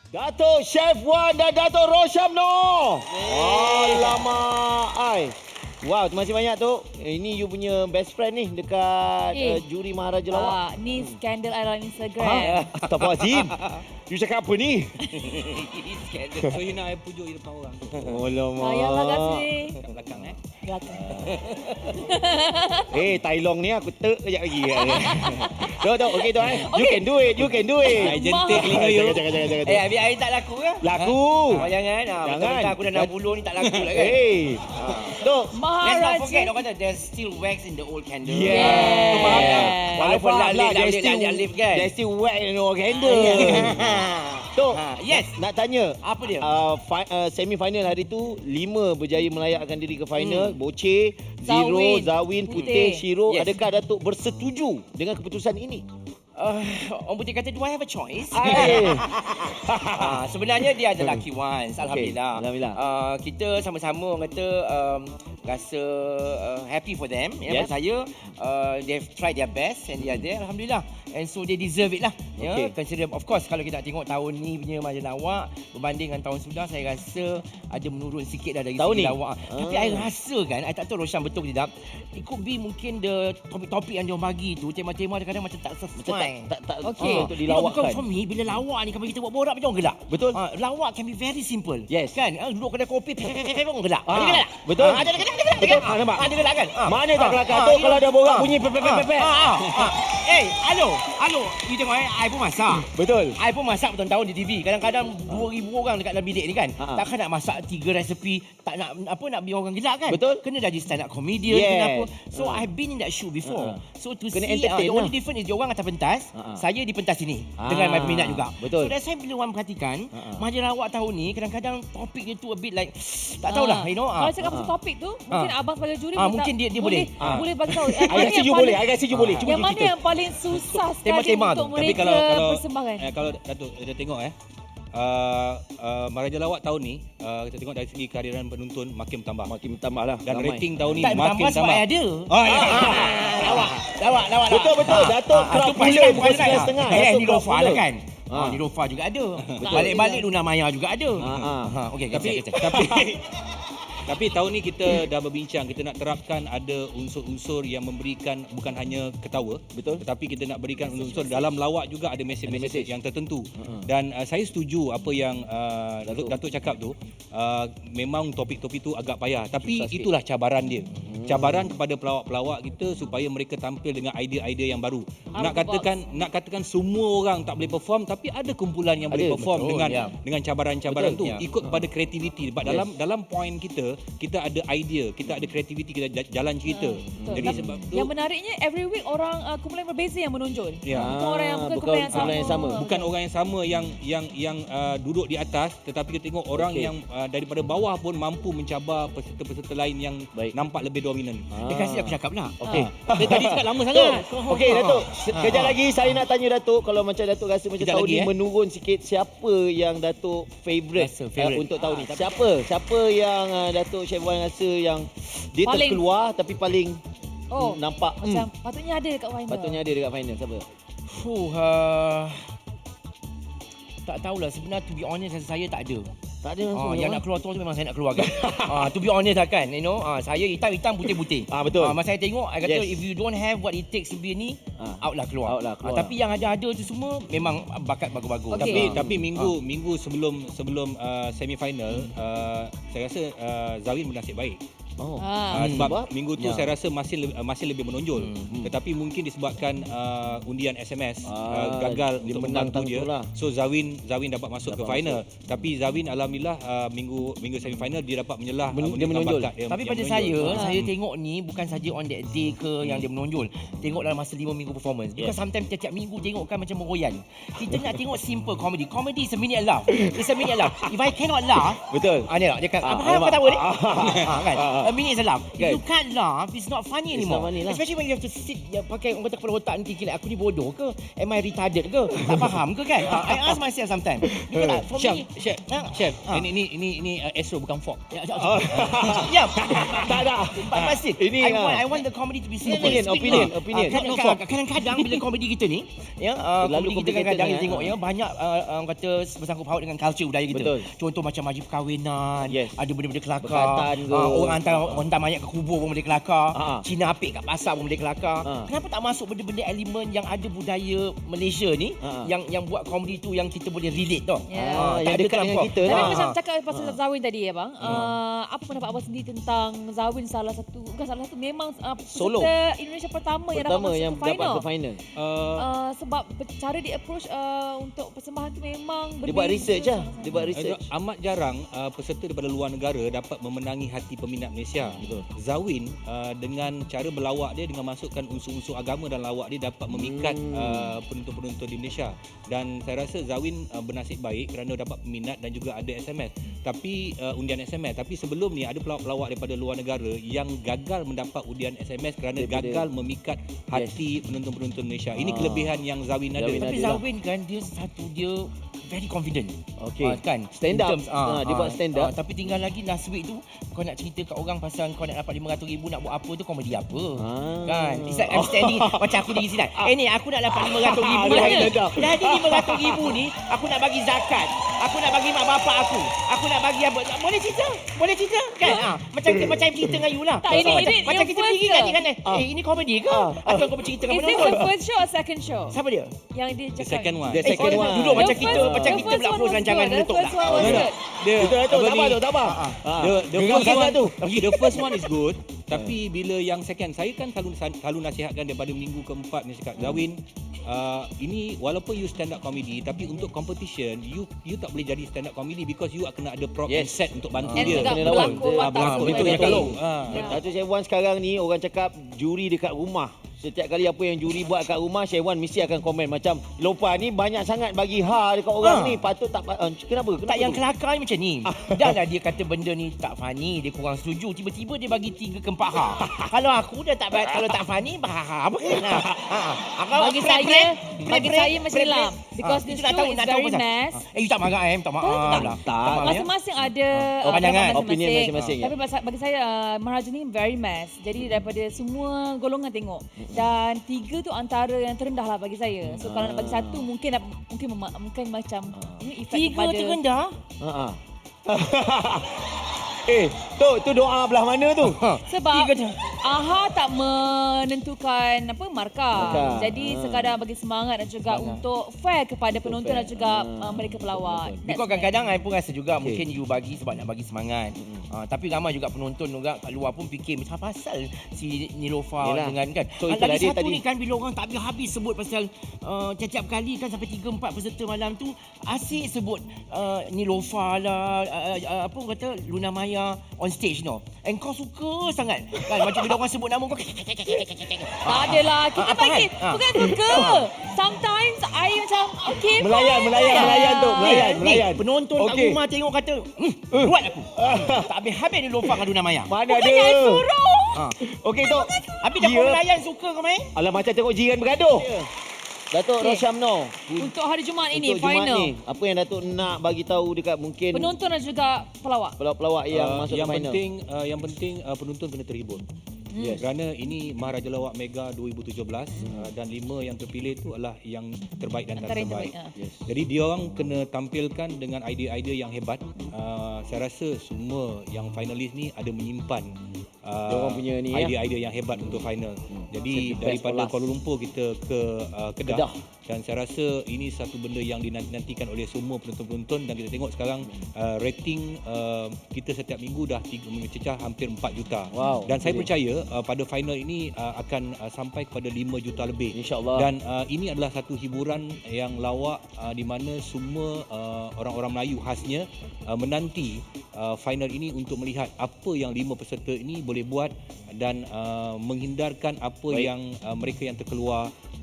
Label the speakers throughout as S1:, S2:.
S1: Datuk Chef Wan dan Datuk Rosyamno. Alamak, ai. Wow, terima kasih banyak tu. Ini you punya best friend ni dekat juri Maharaja Lawak.
S2: Ni skandal dalam Instagram.
S1: Astagfirullahaladzim. You cakap apa ni?
S3: Skandal. So you nak I pujuk di depan orang.
S1: Alamak.
S2: Sayanglah kasih.
S3: Kat belakang
S2: Belakang.
S1: Tai Long ni aku kejap lagi. Tok, okey tok. You can do it, you can do it.
S3: Jentik telinga you.
S1: Jangan.
S4: Habis I tak laku ke?
S1: Laku.
S4: Jangan.
S1: Jangan.
S4: Aku dah 60 ni tak laku lah kan.
S1: Tok.
S4: Let's not forget, orang kata there's still wax in the old candle.
S1: Yeah.
S4: Walaupun
S1: Faham lah,
S4: lip kan.
S1: there's still wax in the candle. Tok,
S4: yes.
S1: nak tanya.
S4: Apa dia?
S1: Semi-final hari tu 5 berjaya melayakkan diri ke final. Boce, Zero, Zawin, Putih, Shiro.
S4: Yes.
S1: Adakah Datuk bersetuju dengan keputusan ini?
S4: Orang Putih kata, do I have a choice?
S1: Ai.
S4: Sebenarnya dia ada lucky ones. Alhamdulillah.
S1: Alhamdulillah.
S4: Kita sama-sama orang kata rasa happy for them.
S1: Yes.
S4: Maksud saya, they've tried their best and they are there. Alhamdulillah. And so they deserve it lah.
S1: Okay.
S4: Consider, of course, kalau kita nak tengok tahun ni punya Maharaja Lawak berbanding dengan tahun sudah, saya rasa ada menurun sikit dah dari
S1: Tahun
S4: segi
S1: ni?
S4: lawak. Tapi I rasa kan, I tak tahu Roshan betul ke tidak, it could be mungkin the topik-topik yang dia bagi tu, tema-tema kadang-kadang macam tak sesuai.
S1: Tak
S2: Okey.
S1: untuk dilawakkan.
S4: Because for me, bila lawak ni, kalau kita buat borak macam orang gelak.
S1: Betul.
S4: Lawak can be very simple.
S1: Yes.
S4: Kan? Duduk kedai kopi, orang gelak. Ada gelak?
S1: Betul.
S4: Ada gelak kan?
S1: Betul. Nampak?
S4: Ada gelak kan?
S1: Mana tak kelakar tu kalau ada borak bunyi pepek.
S4: Hello. You tengok I pun masak.
S1: Betul.
S4: I pun masak bertahun-tahun di TV. Kadang-kadang 2,000 orang dekat dalam bilik ni kan. Takkan nak masak 3 resepi, tak nak nak biar orang gelak kan?
S1: Betul.
S4: Kena jadi stand up comedian,
S1: Yes.
S4: kena apa. So I've been in that shoe before. So to
S1: Kena
S4: see
S1: entertain
S4: the only
S1: lah.
S4: difference is dia orang atas pentas, saya di pentas sini dengan my peminat juga.
S1: Betul.
S4: So that's why bila orang perhatikan Maharaja Lawak tahun ni kadang-kadang topik dia tu a bit like tak tahulah, you know.
S2: Kalau cakap pasal topik tu, mungkin abang sebagai juri
S4: mungkin dia boleh.
S2: boleh bagi tahu.
S1: Agak setuju boleh, agak setuju boleh. Cuba
S2: Yang mana
S1: kita.
S2: yang paling susah sekali
S4: Tema-tema
S2: untuk
S4: tu.
S3: Tapi
S2: mereka
S3: kalau
S2: persembahkan?
S3: kalau Datuk dia tengok Maharaja Lawak tahun ni kita tengok dari segi kehadiran penonton makin bertambah.
S1: Makin bertambah lah.
S3: Dan
S1: Ramai.
S3: rating tahun ni
S4: Tak
S3: makin
S4: tambah sebab
S3: tambah.
S4: ada.
S3: Ya.
S4: Lawak.
S1: Betul. Datuk crowd pula bukan 9.5.
S4: Ni Lofa lah kan. Ni Lofa juga ada. Balik-balik Luna Maya juga ada. Okey,
S3: Tapi tahun ni kita dah berbincang, kita nak terapkan ada unsur-unsur yang memberikan bukan hanya ketawa,
S1: Betul.
S3: tetapi kita nak berikan unsur dalam lawak juga ada mesej-mesej yang tertentu. Dan saya setuju apa yang Datuk cakap tu. Memang topik-topik tu agak payah, tapi itulah cabaran dia. Cabaran kepada pelawak-pelawak kita supaya mereka tampil dengan idea-idea yang baru. Nak katakan semua orang tak boleh perform, tapi ada kumpulan yang boleh perform dengan cabaran-cabaran tu. Ikut kepada kreativiti. Sebab dalam poin kita ada idea, kita ada kreativiti, kita jalan cerita. Jadi sebab tu
S2: yang menariknya every week orang kumpulan berbeza yang menonjol.
S3: Ya.
S2: Bukan orang yang bukan kumpulan yang sama.
S3: Bukan orang yang sama yang duduk di atas, tetapi kita tengok orang yang daripada bawah pun mampu mencabar peserta-peserta lain yang nampak lebih dominan.
S4: Dia kasi aku cakap lah.
S1: Okey.
S3: Dia tadi cakap lama sangat.
S1: Okey Datuk, kejap lagi saya nak tanya Datuk, kalau macam Datuk rasa macam
S3: Kejap
S1: tahun
S3: lagi,
S1: ni menurun sikit, siapa yang Datuk favourite untuk tahun ni? Siapa yang Datuk Chef Wan rasa yang dia
S2: Paling-
S1: terkeluar tapi paling nampak
S2: Macam patutnya ada dekat final.
S1: patutnya ada dekat final, siapa?
S4: Tak tahulah, sebenarnya to be honest saya tak ada.
S1: Tak ada langsung.
S4: Yang nak keluar tu memang saya nak keluarkan. To be honest lah kan, you know, saya hitam-hitam putih-putih.
S1: Betul.
S4: Masa saya tengok, I kata
S1: Yes.
S4: if you don't have what it takes to be ni, out lah keluar. Tapi yang ada tu semua memang bakat bagus-bagus.
S2: Okey.
S3: Tapi minggu sebelum semi final, saya rasa Zawin bernasib baik. Sebab minggu tu saya rasa masih lebih menonjol. Tetapi mungkin disebabkan undian SMS gagal untuk membantu dia. So Zawin dapat masuk ke final. Tapi Zawin alhamdulillah minggu semi final dia dapat menyelah
S1: Dia menonjol.
S3: bakat dia.
S4: Tapi pada saya tengok ni bukan saja on that day ke yang dia menonjol. Tengok dalam masa 5 minggu performance. Because sometimes tiap-tiap minggu tengok kan macam meroyan. Kita nak tengok simple comedy. Comedy is a minute laugh. It's a minute laugh. If I cannot laugh,
S1: Betul.
S4: ni lah dia kan. Apa kau tahu ni? Kan. a minute salam.
S1: Kan?
S4: You can't laugh. It's not funny
S1: It's
S4: anymore.
S1: not funny lah.
S4: Especially when you have to sit pakai orang kata kepala otak nanti kira aku ni bodoh ke? Am I retarded ke? Tak faham ke kan? I ask myself sometimes. Betul tak? For
S3: Chef,
S4: me,
S3: chef.
S4: Ah.
S3: Ini Astro bukan fork.
S4: Ya.
S1: Tak ada.
S4: Pasti.
S1: Ini,
S4: I want the comedy to be simple.
S1: Opinion.
S4: Kadang-kadang bila komedi kita ni, ya,
S1: Terlalu
S4: komedi kita
S1: complicated
S4: kadang-kadang
S1: sangat.
S4: tengok ya banyak orang kata bersangkut paut dengan culture budaya kita.
S1: Betul.
S4: Contoh macam majlis perkahwinan,
S1: Yes.
S4: ada benda-benda kelakar.
S1: Berkatan ke.
S4: Orang hantar mayat ke kubur pun boleh kelakar. Cina apik kat pasar pun boleh kelakar. Kenapa tak masuk benda-benda elemen yang ada budaya Malaysia ni yang buat komedi tu yang kita boleh relate tau.
S2: Ya.
S1: Yang dekat dengan kita
S2: Tapi
S1: lah.
S2: macam cakap pasal Zawin tadi ya bang, apa pendapat abang sendiri tentang Zawin bukan salah satu memang
S1: Solo.
S2: peserta Indonesia pertama yang dapat masuk
S1: yang
S2: ke final.
S1: dapat ke final.
S2: Sebab cara dia approach untuk persembahan tu memang
S1: Dia
S2: berbeza.
S1: buat research lah. Dia buat research.
S3: Amat jarang peserta daripada luar negara dapat memenangi hati peminat Malaysia.
S1: Betul.
S3: Zawin dengan cara berlawak dia, dengan masukkan unsur-unsur agama dalam lawak dia, dapat memikat penonton-penonton di Malaysia. Dan saya rasa Zawin bernasib baik kerana dapat peminat dan juga ada SMS. Tapi undian SMS. Tapi sebelum ni ada pelawak-pelawak daripada luar negara yang gagal mendapat undian SMS kerana gagal memikat hati penonton-penonton Malaysia. Ini kelebihan yang Zawin ada.
S1: Zawin
S4: Tapi
S1: ada lah.
S4: Zawin kan dia very confident.
S1: Okey.
S4: Kan?
S1: Stand up.
S4: In terms,
S1: Dia buat stand up.
S4: tapi tinggal lagi last week tu kau nak cerita kat orang pasal kau nak dapat 500,000 nak buat apa tu, komedi apa? Kan? It's like I'm standing macam aku di sini. Ni aku nak dapat 500,000
S1: Dah,
S4: hari.
S1: dah.
S4: Jadi 500,000 ni aku nak bagi zakat. Aku nak bagi mak bapak aku. Aku nak bagi apa? Boleh cerita? Boleh cerita? Kan? Macam cerita dengan you lah.
S2: Tak, ini
S4: Macam
S2: yang
S4: kita
S2: first
S4: pergi
S2: ke?
S4: kan ni kan. Ini komedi ke? Atau kau bercerita dengan
S2: Is this
S4: penonton?
S2: the first show or second show?
S4: Siapa dia?
S2: Yang dia
S3: The
S2: cakap.
S3: second one.
S1: The second one.
S4: Duduk macam
S2: The
S4: kita
S2: first-
S4: macam
S2: the
S4: kita
S2: first
S4: pula
S2: one
S4: pose
S2: was
S4: rancangan
S2: good.
S4: meletup
S2: The
S4: lah.
S2: first one was good.
S3: Dia
S1: Betul
S3: apa
S1: sabar
S3: ni?
S1: tu, sabar.
S3: The
S1: Geram
S3: first
S1: sangat
S3: one
S1: tu.
S3: The first one is good. Tapi bila yang second, saya kan selalu nasihatkan daripada minggu keempat ni cakap, Zawin, ini walaupun you stand up comedy, tapi untuk competition you tak boleh jadi stand up comedy because you kena ada prop and set untuk bantu
S2: And
S3: dia.
S2: juga
S1: Kena lawan.
S2: berlakon watak
S3: Betul,
S2: semua
S3: betul,
S2: dia
S3: betul.
S2: tolong.
S1: Datuk Syaiwan sekarang ni orang cakap juri dekat rumah. Setiap kali apa yang juri buat kat rumah, Syaiwan mesti akan komen macam Lopa ni banyak sangat bagi dekat orang ni. Patut tak kenapa?
S4: Tak yang
S1: tu?
S4: kelakar ni macam ni. Dah lah dia kata benda ni tak funny, dia kurang setuju. Tiba-tiba dia bagi 3 ke 4 Kalau aku dah kalau tak funny, apa kan?
S2: Bagi saya macam lam. Because this show is very mass.
S4: You tak marah tak maaf lah.
S1: Tak.
S4: maaf, ya.
S2: Masing-masing ada
S4: pandangan,
S2: pendapat
S1: opinion masing-masing, ya.
S2: Tapi bagi saya Maharaja ni very mass. Jadi daripada semua golongan tengok. Dan 3 tu antara yang terendah lah bagi saya. So kalau nak bagi 1 mungkin macam ini efek
S4: 3
S2: kepada
S4: terendah?
S1: Tu doa belah mana tu?
S2: sebab
S4: 3 tu.
S2: AHA tak menentukan markah. Jadi sekadar bagi semangat dan juga untuk fair kepada penonton dan juga mereka pelawak.
S4: Because kadang-kadang I pun rasa juga mungkin you bagi sebab nak bagi semangat. Tapi ramai juga penonton juga kat luar pun fikir macam apa pasal si Nilofa
S1: Yelah.
S4: dengan kan.
S1: So, itulah
S4: Lagi
S1: dia
S4: satu
S1: tadi.
S4: ni kan bila orang tak habis-habis sebut pasal tiap-tiap kali kan sampai 3-4 peserta malam tu asyik sebut Nilofa lah apa orang kata Luna Maya on stage no. And kau suka sangat kan macam bila orang sebut nama kau.
S2: Tak adalah. Kita
S4: Apa
S2: bagi
S4: kan?
S2: bukan suka. Sometimes I macam okay
S1: Melayan
S2: fine.
S1: Melayan.
S4: Penonton kat
S1: Okey.
S4: rumah tengok kata buat aku. Tak habis-habis Nilofa dengan Luna Maya.
S1: Mana
S2: Bukan yang
S1: ada?
S2: suruh.
S1: Okey tu.
S4: Habis dah kau melayan suka kau main?
S1: Alah macam tengok jiran bergaduh. Datuk
S2: Okey.
S1: Rosyamno.
S2: Untuk hari Jumaat ini
S1: Untuk Jumaat
S2: final.
S1: ni, apa yang Datuk nak bagi tahu dekat mungkin
S2: Penonton dan juga pelawak.
S1: pelawak-pelawak yang masuk
S3: yang
S1: ke final?
S3: yang penting penonton kena terhibur. Yes. Kerana ini Maharaja Lawak Mega 2017 dan 5 yang terpilih itu adalah yang terbaik dan
S2: Antara yang
S3: terbaik.
S2: terbaik.
S1: Yes.
S3: Jadi dia orang kena tampilkan dengan idea-idea yang hebat. Saya rasa semua yang finalis ni ada menyimpan
S1: Dia orang punya ni, ya?
S3: idea-idea yang hebat untuk final. Jadi
S1: Save the best
S3: daripada
S1: for last.
S3: Kuala Lumpur kita ke Kedah.
S1: Kedah.
S3: Dan saya rasa ini satu benda yang dinantikan oleh semua penonton-penonton dan kita tengok sekarang rating kita setiap minggu dah mencecah hampir 4 juta.
S1: Wow,
S3: Dan saya
S1: jadi.
S3: percaya pada final ini akan sampai kepada 5 juta lebih.
S1: InsyaAllah.
S3: Dan ini adalah satu hiburan yang lawak di mana semua orang-orang Melayu khasnya menanti final ini untuk melihat apa yang 5 peserta ini boleh buat dan menghindarkan apa
S1: Baik.
S3: yang mereka yang terkeluar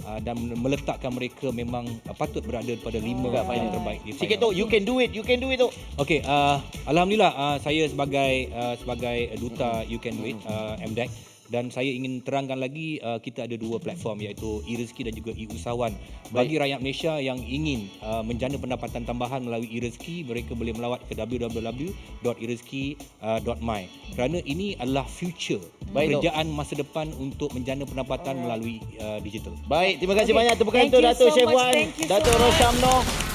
S3: dan meletakkan mereka memang patut berada pada 5 yang terbaik di
S1: Sikit
S3: final.
S1: tu, you can do it tu.
S3: Okey, alhamdulillah saya sebagai duta You Can Do It MDEC, dan saya ingin terangkan lagi kita ada 2 platform iaitu e-Rezeki dan juga e-Usahawan. Bagi rakyat Malaysia yang ingin menjana pendapatan tambahan melalui e-Rezeki, mereka boleh melawat ke www.erezeki.my kerana ini adalah future kerjaan masa depan untuk menjana pendapatan melalui digital.
S1: Baik, terima kasih
S2: Okay.
S1: banyak tepukan
S2: Thank
S1: untuk
S2: you
S1: Dato'
S2: so
S1: Chef
S2: much.
S1: Wan,
S2: Thank you so
S1: Dato'
S2: much.
S1: Rosyam Noh.